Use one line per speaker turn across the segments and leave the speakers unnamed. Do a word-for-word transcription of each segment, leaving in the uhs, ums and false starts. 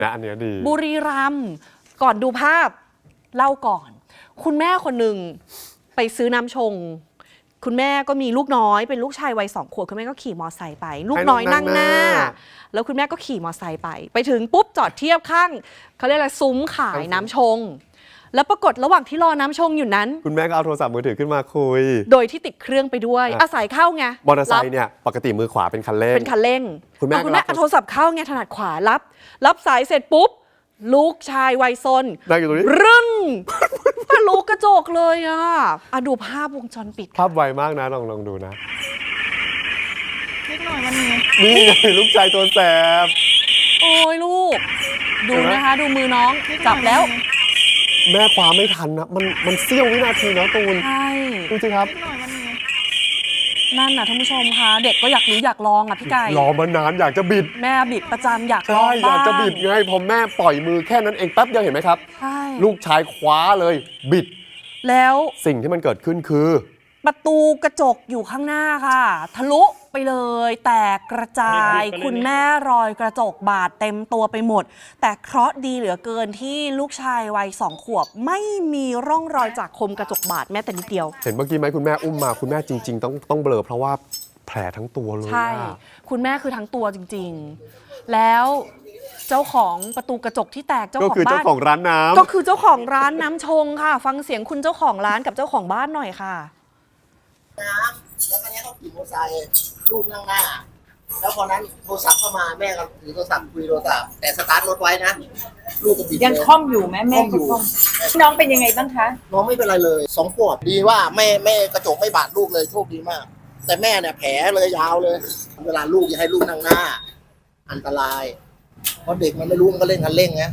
นะอันนี้ดี
บุรีรัมย์ก่อนดูภาพเล่าก่อนคุณแม่คนหนึ่งไปซื้อน้ำชงคุณแม่ก็มีลูกน้อยเป็นลูกชายวัยสองขวบคุณแม่ก็ขี่มอไซค์ไปลูกน้อยนั่งหน้าแล้วคุณแม่ก็ขี่มอไซค์ไปไปถึงปุ๊บจอดเทียบข้างเขาเรียกอะไรซุ้มขายน้ำชงแล้วปรากฏระหว่างที่รอน้ำชงอยู่นั้น
คุณแม่ก็เอาโทรศัพท์มือถือขึ้นมาคุย
โดยที่ติดเครื่องไปด้วยอาศัยเข้าไง
มอเตอร์ไซค์เนี่ยปกติมือขวาเป็นคันเร่ง
เป็นคันเร่ง
คุณแม่
คุณแม่เอาโทรศัพท์เข้าไงถนัดขวารับรับสายเสร็จปุ๊บลูกชายวัยซน
นั่งอยู่ตรงนี้
รึ้นทะลุกระจกเลยอ่ะอ่ะดูภาพวงจรปิด
ภาพไวมากนะลองลองดูนะ
นิดหน่อยมันมี
นี่ไงลูกชายตัวแสบ
โอ้ยลูกดูนะคะดูมือน้องจับแล้ว
แม่คว้าไม่ทันนะมันมันเสี้ยววินาทีนะตูน
ใช่
ดูสิครับ
นั่นน่ะท่านผู้ชมคะเด็กก็อยากรู้อยากลองอ่ะพี่ไก่
รอมานานอยากจะบิด
แม่บิดประจำอยากล
อง
บ้าง
อยากจะบิดไงพอแม่ปล่อยมือแค่นั้นเองแป๊บเดียวเห็นไหมครับ
ใช่
ลูกชายคว้าเลยบิด
แล้ว
สิ่งที่มันเกิดขึ้นคือ
ประตูกระจกอยู่ข้างหน้าค่ะทะลุไปเลยแตกกระจายคุณแม่รอยกระจกบาดเต็มตัวไปหมดแต่เคราะห์ดีเหลือเกินที่ลูกชายวัยสองขวบไม่มีร่องรอยจากคมกระจกบาดแม้แต่นิดเดียว
เห็นเมื่อกี้ไหมคุณแม่อุ้มมาคุณแม่จริงๆต้องต้องเบลอเพราะว่าแผลทั้งตัวเลย
ใช่คุณแม่คือทั้งตัวจริงๆแล้วเจ้าของประตูกระจกที่แตกเจ้าของบ้านก็คือ
เจ้าของร้านน้ำ
ก็คือเจ้าของร้านน้ำชงค่ะฟังเสียงคุณเจ้าของร้านกับเจ้าของบ้านหน่อยค่ะ
น้ำแล้วก็เนี้ยเขาขี่มอเตอร์ไซค์ลูกนั่งหน้าแล้วพอนั้นโทรศัพท์เข้ามาแม่ก็ถือโทรศัพท์คุยโทรศัพท์แต่สตาร์ทรถไว้นะลูกก็บิด
ยังคล่อมอยู่ไหมแม่
อยู่
น้องเป็นยังไงบ้างคะ
น้องไม่เป็นไรเลยสองขวบดีว่าแม่แม่กระจกไม่บาดลูกเลยโชคดีมากแต่แม่เนี่ยแผลเลยยาวเลยเวลาลูกอย่าให้ลูกนั่งหน้าอันตรายเพราะเด็กมันไม่รู้มันก็เล่นกันเล่นไง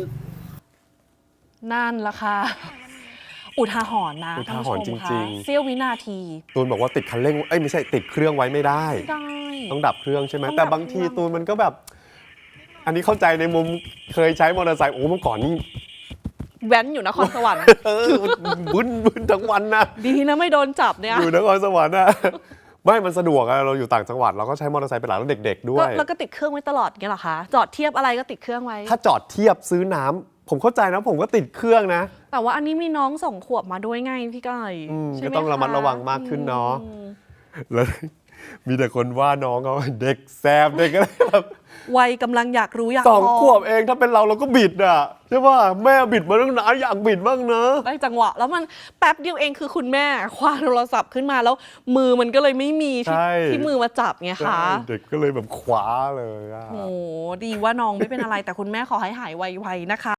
นั่นละค่ะอุทาหรณ์นะ
อุทาหรณ์จริงๆ
เสี้ยววินาที
ตูนบอกว่าติดคันเร่งเอ้ยไม่ใช่ติดเครื่องไว้ไม่ได้ต้องดับเครื่องใช่ไหมแต่บางทีตูนมันก็แบบอันนี้เข้าใจในมุมเคยใช้มอเตอร์ไซค์โอ้เมื่อก่อนนี่
แว้นอยู่นครสวรรค์
บึ้นบึ้นทั้งวันนะ
ดีนะไม่โดนจับเนี่ย
อยู่นครสวรรค์นะไม่มันสะดวกอะเราอยู่ต่างจังหวัดเราก็ใช้มอเตอร์ไซค์เป็นหลักแล้วเด็กๆด้วย
แล้วก็ติดเครื่องไว้ตลอดเงี้ยหรอคะจอดเทียบอะไรก็ติดเครื่องไว้
ถ้าจอดเทียบซื้อน้ำผมเข้าใจนะผมก็ติดเครื่องนะ
แต่ว่าอันนี้มีน้องสองขวบมาด้วยไงพี่ก้อย
ก็ต้องระมัดระวังมากขึ้นเนาะแล้วมีแต่คนว่าน้องเขาเด็กแซบเด็กอะไรแบบ
วัยกำลังอยากรู้อยาก
สองขวบเองถ้าเป็นเราเราก็บิดอ่ะใช่ป่ะแม่บิดมาตั้งนานอยากบิดบ้างนะ
ได้จังหวะแล้วมันแป๊บเดียวเองคือคุณแม่คว้าโทรศัพท์ขึ้นมาแล้วมือมันก็เลยไม่มีที่ที่มือมาจับไงคะ
เด็กก็เลยแบบคว้าเลยอ่ะ
โอ้ดีว่าน้องไม่เป็นอะไรแต่คุณแม่ขอให้หายไวๆนะคะ